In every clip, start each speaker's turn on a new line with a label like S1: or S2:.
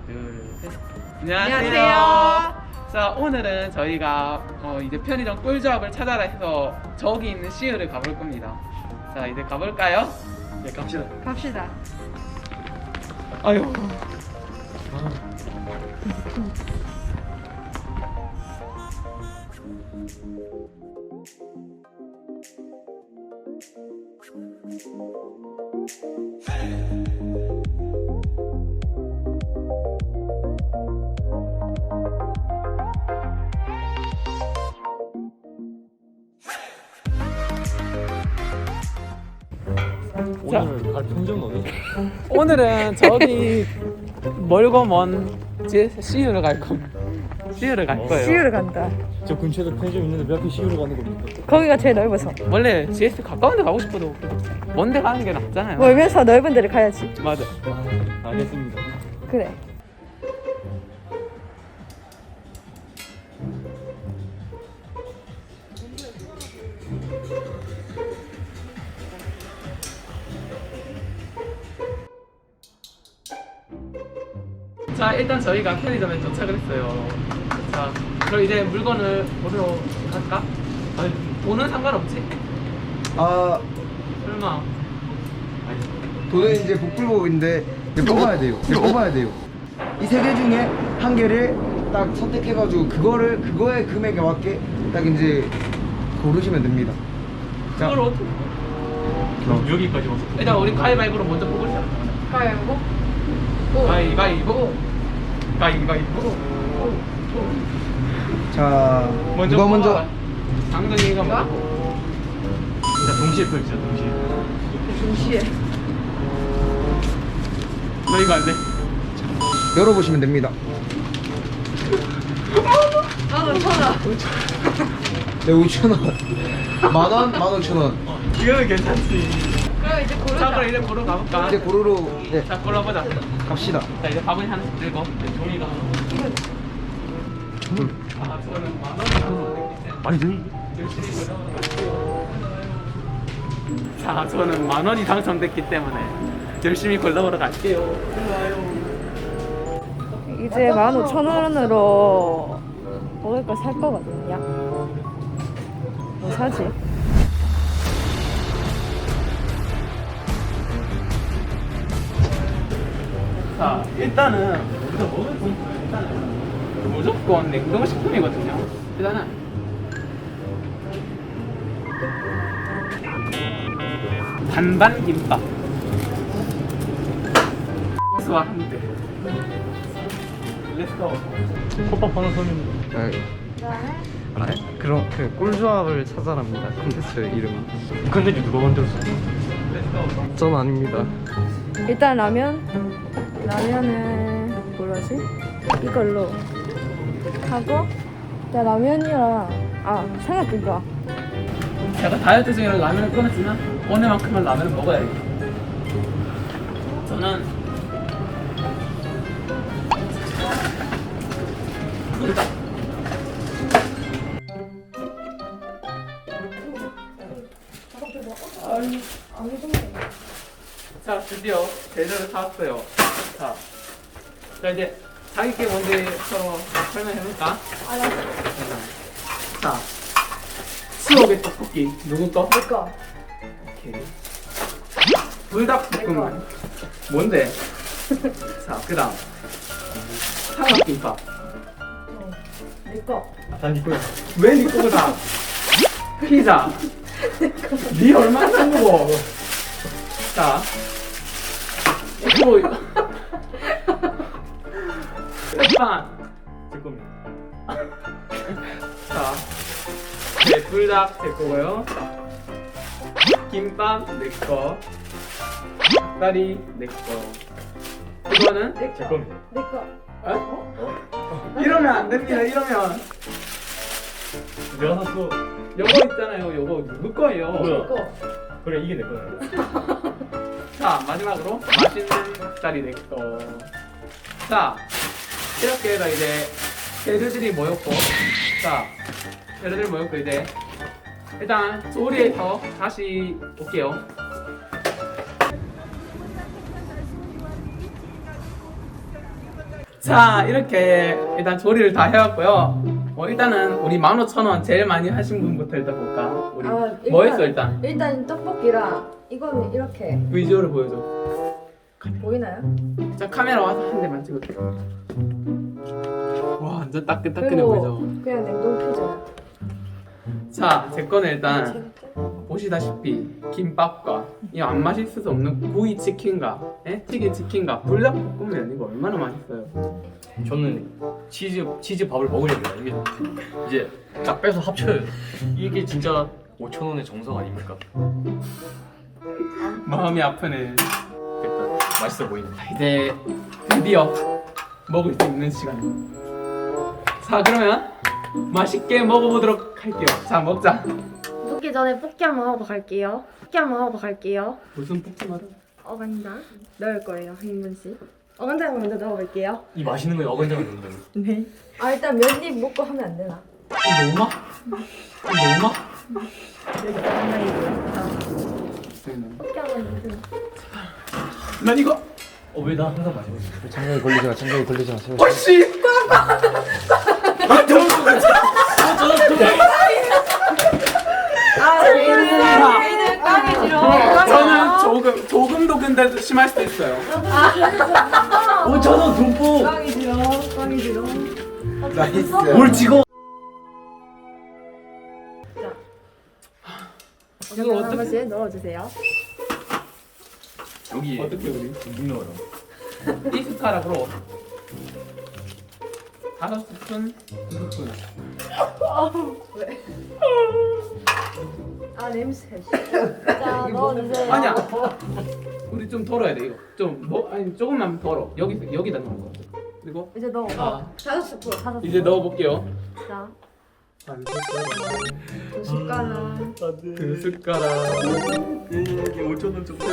S1: 둘, 셋.
S2: 안녕하세요.
S1: 자, 오늘은 저희가 이제 편의점 꿀조합을 찾아라 해서 저기 있는 CU를 가볼 겁니다. 자, 이제 가볼까요?
S3: 네, 갑시다.
S2: 갑시다.
S1: 아유.
S3: 오늘 갈 편의점은 어디죠?
S1: 오늘은 저기 멀고 먼 CU를 갈 겁니다. CU를 갈 거예요.
S2: CU를 간다.
S3: 저 근처에도 편의점 있는데 몇 개 시우러 가는 겁니까?
S2: 거기가 제일 넓어서.
S1: 원래 GS 가까운 데 가고 싶어도 먼 데 가는 게 낫잖아요.
S2: 멀면서 넓은 데를 가야지.
S1: 맞아.
S3: 아, 알겠습니다.
S2: 그래.
S1: 자, 일단 저희가 편의점에 도착을 했어요. 자, 그럼 이제 물건을 보러 갈까? 아니, 돈은 상관없지?
S4: 아,
S1: 설마.
S4: 돈은 이제 복불복인데 이제 뽑아야 돼요. 이제 뽑아야 돼요. 이 세 개 중에 한 개를 딱 선택해가지고 그거의 금액에 맞게 딱 이제 고르시면 됩니다. 자,
S1: 그걸 어떻게?
S3: 그럼 여기까지 와서
S1: 일단 우리 가위바위보로 먼저 뽑으자.
S2: 가위바위보?
S1: 가위바위보. 가위바위보.
S4: 자,
S1: 먼저
S4: 누가 먼저?
S1: 뽑아라. 당근이가 먼저.
S3: 일단 동시에 펼치자, 동시에.
S2: 동시에.
S1: 너 이거 안 돼?
S4: 열어보시면 됩니다.
S2: 나도 천원.
S4: 네, 5,000원. 만원, 15,000원.
S1: 이거는 괜찮지.
S2: 그럼 이제
S1: 자,
S2: 고르자.
S1: 그럼 이제 고르 가볼까?
S4: 이제 고르러 네,
S1: 자, 골라보자.
S4: 갑시다.
S1: 자, 이제 밥은 하나씩 들고 이제 종이가. 아, 저는 만 원이 안 돼.
S3: 많이 드니?
S1: 열심히 골라볼게요. 자, 저는 만 원이 당첨됐기 때문에 열심히 골라보러 갈게요.
S2: 이제 15,000원으로 먹을 거 살 거거든요. 뭐 사지?
S1: 자, 일단은 우리가 먹을 건 일단은 무조건 냉동식품이거든요. 일단은 반반 김밥 수와 함께 렛츠고.
S3: 컵밥 하나 사면
S5: 그럼 그 꿀조합을 찾아랍니다. 콘텐츠 이름.
S3: 컨텐츠 누가 만들었어?
S1: 렛츠고.
S5: 전 아닙니다.
S2: 일단 라면은 뭐라지? 이걸로 하고 나 라면이랑 삼각김밥.
S1: 제가 다이어트 중이라 라면을 끊었지만 오늘만큼은 라면을 먹어야겠다. 저는 자, 드디어 재료를 사왔어요. 자 이제 자기께 먼저 서로 설명해볼까? 자, 추억의 떡볶이 누구 거?
S2: 내 거.
S1: 오케이. 불닭볶음면 뭔데? 자, 그다음 삼각김밥.
S2: 내 거.
S3: 다니 거야.
S1: 왜 니 거다? 피자. 니 얼마나 산 거고? 자, 이거 햇반.
S3: 제 겁니다.
S1: 자, 네, 불닭 제 거고요. 김밥 내 거. 닭다리 내 거. 이거는
S3: 제 겁니다.
S2: 내 거.
S1: 어? 이러면 안 됩니다. 이러면
S3: 내가 샀어.
S1: 요거 있잖아요. 요거 누구 거예요?
S3: 뭐야?
S2: 거.
S3: 그래, 이게 내 거야.
S1: 자, 마지막으로 맛있는 닭다리 내 거. 자, 이렇게 해서 이제 재료들이 모였고, 자, 재료들이 모였고 이제 일단 조리해서 다시 올게요. 자 이렇게 일단 조리를 다 해왔고요. 일단은 우리 15,000원 제일 많이 하신 분부터 일단 볼까? 우리 뭐 했어 일단?
S2: 일단 떡볶이랑 이거는 이렇게
S1: 비주얼을 보여줘.
S2: 보이나요?
S1: 자 카메라 와서 한 대만 찍어줘. 와 완전 따끈따끈해
S2: 그리고
S1: 보이죠?
S2: 그냥 냉동 피자.
S1: 자 제 거는 일단 보시다시피 김밥과 이 안 맛있을 수 없는 구이 치킨과 튀긴 치킨과 불닭볶음면 이거 얼마나 맛있어요.
S3: 저는 치즈 밥을 먹으려고요. 이게 이제 딱 빼서 합쳐요. 이게 진짜 5,000원의 정석 아닙니까?
S1: 마음이 아프네.
S3: 일단 맛있어 보인다.
S1: 이제 드디어 먹을 수 있는 시간. 자 그러면 맛있게 먹어보도록 할게요. 자 먹자.
S2: 먹기 전에 뽑기 한번 하고 갈게요. 뽑기 한번 하고 갈게요.
S1: 무슨 볶음마다?
S2: 어간장 넣을 거예요. 한 인분씩. 어간장 먼저 넣어볼게요.
S3: 이 맛있는 거에 어간장을 넣는다고.
S2: 네. 아 일단 몇 입 먹고 하면 안 되나?
S1: 너무 맛? 너무 맛?
S2: 여기 어간장이고요. 뽑기 한번 주세요.
S1: 난 이거
S3: 왜 나 항상 마시고 있어?
S4: 장갑이 걸리지 마. 장갑이 걸리지 마. 세워.
S1: 혹시
S2: 아 저희는 빵이 싫어.
S1: 저는 조금도 근데 심할 수도 있어요.
S3: 5,000원 돈포!
S2: 빵이 싫어. 빵이 싫어.
S4: 나이스.
S3: 뭘 찍어?
S1: 이걸
S2: 한
S1: 어떻게
S2: 번씩 넣어주세요.
S3: 여기
S1: 어떻게 우리
S3: 묵 넣어요.
S1: 이 숟가락으로 5스푼, 2스푼.
S2: 왜? 아 냄새. 자 넣어주세요.
S1: 아니야. 우리 좀 덜어야 돼 이거. 아니 조금만 덜어. 여기다 넣는 거. 그리고
S2: 이제 넣어.
S1: 아.
S2: 5스푼. 5스푼.
S1: 이제 넣어볼게요.
S2: 자,
S1: 반 숟가락,
S2: 2숟가락.
S1: 2숟가락,
S3: 이게 5,000원 정도.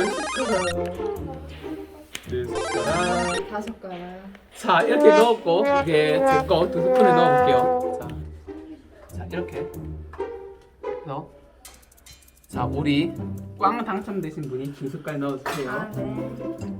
S1: 4숟가락.
S2: 5숟가락.
S1: 자 이렇게 넣었고 이게 제 거 2스푼을 넣어볼게요. 자 이렇게 해서 자 우리 꽝 당첨되신 분이 2숟갈 넣어주세요.
S2: 아 네.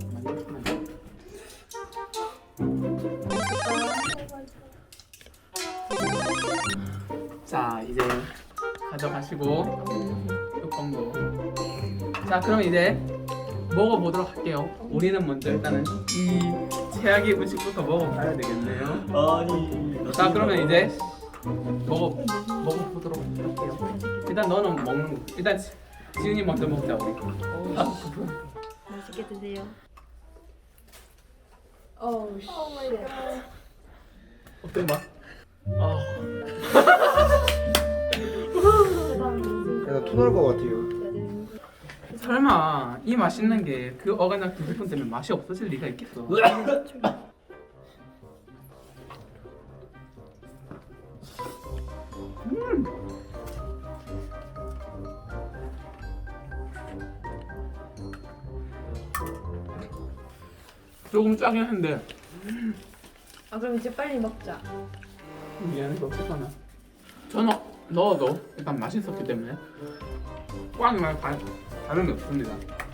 S1: 자 이제 가져가시고 뚜껑도. 자 그럼 이제 먹어보도록 할게요. 우리는 먼저 일단은 이 최악의 음식부터 먹어봐야 되겠네요.
S3: 아니.
S1: 자 그러면 이제 먹어보도록 할게요. 일단 너는 먹는 거. 일단 지훈이 먼저 먹자 우리.
S2: 맛있게 드세요. 어우 씨.
S1: 어때 맛? 아
S4: 나토 나올 것 같아요.
S1: 설마 이 맛있는 게 그 어간장 2스푼 때문에 맛이 없어질 리가 있겠어? 조금 짜긴 한데
S2: 아 그럼 이제 빨리 먹자.
S1: 미안해서 어떡하나. 저는 넣어도 일단 맛있었기 때문에 꽝이 말고 다른 게 없습니다.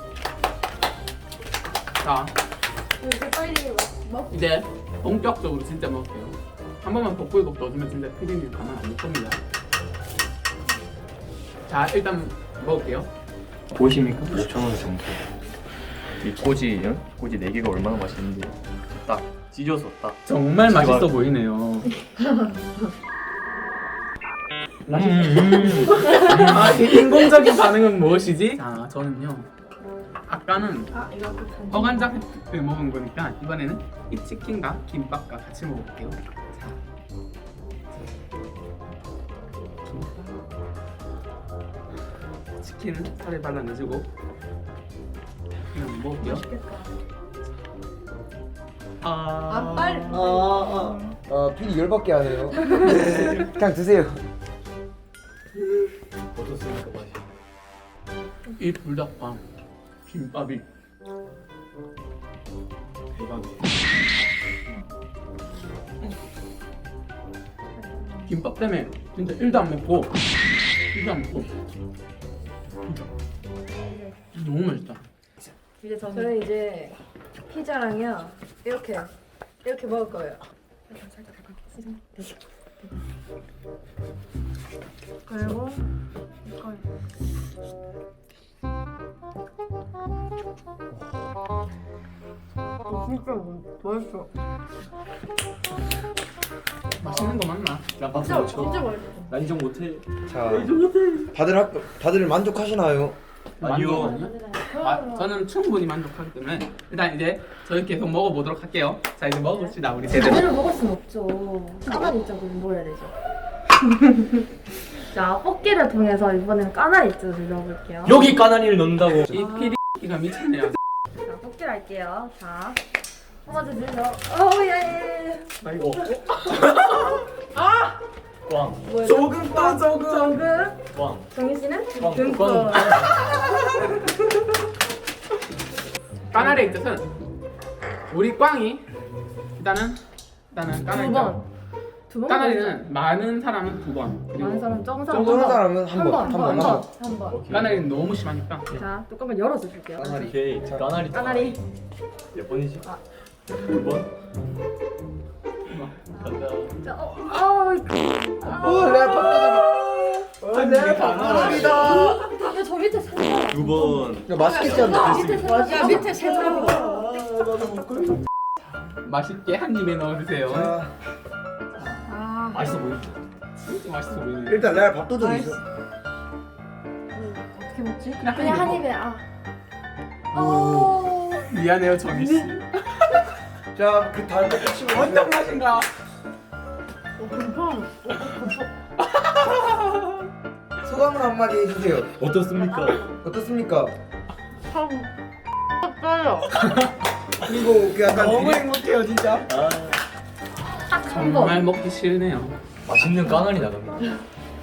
S1: 자
S2: 이제 빨리 먹.
S1: 이제 본격적으로 진짜 먹을게요. 한 번만 볶불국 넣어주면 진짜 피디님 가만 안 볼 겁니다. 자 일단 먹을게요.
S3: 보이십니까? 5,000원 정도. 이 꼬지 4개가 얼마나 맛있는지 딱 찢어서 딱.
S1: 정말 맛있어 보이네요. 아, 이 인공적인 반응은 무엇이지? 자, 저는요. 아까는
S2: 아 이거
S1: 어간장을 먹은 거니까 이번에는 이 치킨과 김밥과 같이 먹어볼게요. 자, 치킨은 살에 발라내주고 그냥 먹을게요.
S2: 아 빨리.
S4: 필이 열받게 하네요. 그냥 드세요.
S3: 어떻습니까 맛이?
S1: 이 불닭빵 김밥이
S3: 대박이에요.
S1: 김밥 때문에 진짜 1도 안 맵고 1도 안 맵고 너무 맛있다.
S2: 저는 이제 피자랑요 이렇게 이렇게 먹을 거예요. 그리고 이걸 진짜 맛있어.
S1: 맛있는 거 맞나?
S3: 나 박수
S2: 진짜
S3: 못 쳐.
S2: 진짜 맛있어.
S3: 나 인정 못해.
S4: 자, 다들 만족하시나요?
S3: 아니요.
S1: 저는 충분히 만족하기 때문에 일단 이제 저희 계속 먹어보도록 할게요. 자 이제 먹읍시다 우리 제대로.
S2: 제대로 먹을 순 없죠. 까나리 쪽을 먹어야 되죠. 자, 뽑기를 통해서 이번에는 까나리 쪽을 넣어볼게요.
S3: 여기 까나리를 넣는다고.
S1: 이 피디가 미쳤네요.
S2: 자, 뽑기를 할게요. 자, 한번 주세요. 오, 예.
S3: 나 이거. 꽝.
S2: 뭐예요?
S1: 조금 더 조금.
S2: 조금.
S3: 꽝.
S2: 정희 씨는?
S3: 꽝.
S2: 등권.
S1: 까나리의 뜻은 우리 꽝이 일단은 까나리.
S2: 두 번. 두 번.
S1: 까나리는 많은 사람은 두 번. 그리고
S2: 많은 사람 적은 사람
S4: 적은
S2: 한 번.
S4: 사람은 한 번, 한 번.
S2: 한 번.
S1: 까나리는 너무 심하니까.
S2: 자, 뚜껑을 열어주실게요.
S3: 오케이. 까나리.
S2: 까나리.
S3: 몇 번이지?
S2: 아.
S3: 2번. 간다.
S2: 자,
S4: 내가 밥도둑이다.
S2: 야, 저 밑에 세 번.
S3: 2번.
S4: 야, 맛있겠지 않나?
S2: 밑에 세 번. 야, 밑에 세 번.
S1: 맛있게 한 입에 넣어주세요.
S4: 자,
S2: 아,
S3: 맛있어 보이지?
S1: 진짜 맛있어 보이네.
S4: 일단 내가 밥도둑이 있어.
S2: 어떻게 먹지?
S1: 그냥
S2: 그냥
S1: 한
S2: 한
S1: 입에
S2: 입에. 아.
S1: 미안해요 정희 씨.
S4: 자, 그 다음에 끝이
S1: 어떤 맛인가?
S4: 소감을 한마디 해주세요.
S3: 어떻습니까?
S4: 어떻습니까?
S2: 떨려.
S4: 그리고 그 약간
S1: 행복해요 진짜.
S3: 아,
S2: 딱한 번.
S1: 정말 먹기 싫네요.
S3: 맛있는 까나리 나갑니다.
S2: 야,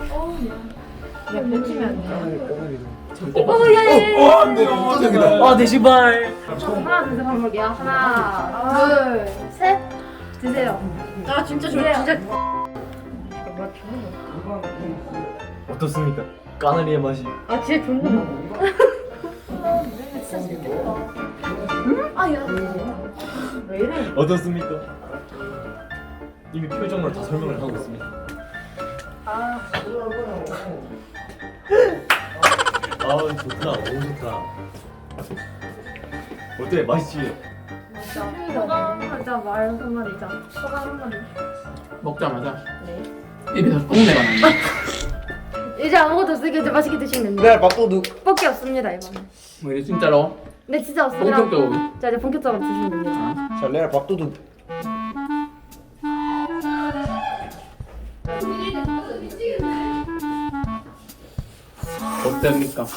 S2: 뱉으면 안 돼.
S1: 절대
S2: 오, 예.
S4: 밥도둑이다.
S3: 아, 내 신발.
S2: 하나, 둘, 셋 한번 볼게요. 하나, 둘, 셋. 드세요. 아, 진짜 좋아요. 진짜.
S3: 어떻습니까? 까나리의 맛이.
S2: 아, 진짜 좋네. 진짜 좋겠다. 아, 야. 왜 이래?
S3: 어떻습니까? 이미 표정으로 다 설명을 하고 있습니다.
S2: 아,
S3: 좋다. 너무 좋다. 어때? 맛있지?
S2: 소감 하자, 말 한마디자. 소감 한마디.
S1: 먹자마자
S2: 네.
S1: 입에서 똥내가 나네.
S2: 이제 아무것도 없으니까 이제 맛있게 드시면 됩니다.
S4: 내가 밥도둑.
S2: 뽑기 없습니다, 이번에.
S1: 뭐 이제 진짜로
S2: 네, 진짜 없습니다.
S1: 본격적으로.
S2: 자, 이제 본격적으로 드시면 됩니다.
S4: 자, 내가 밥도둑.
S1: 어땠습니까?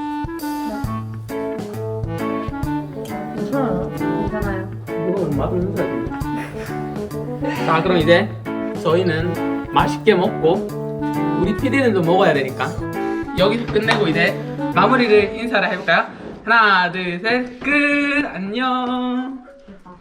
S2: 괜찮아요. 괜찮아요.
S1: 이거 맛을 해줘야 돼. 자 그럼 이제 저희는 맛있게 먹고 우리 PD는 좀 먹어야 되니까 여기서 끝내고 이제 마무리를 인사를 해볼까요? 하나 둘 셋 끝 안녕.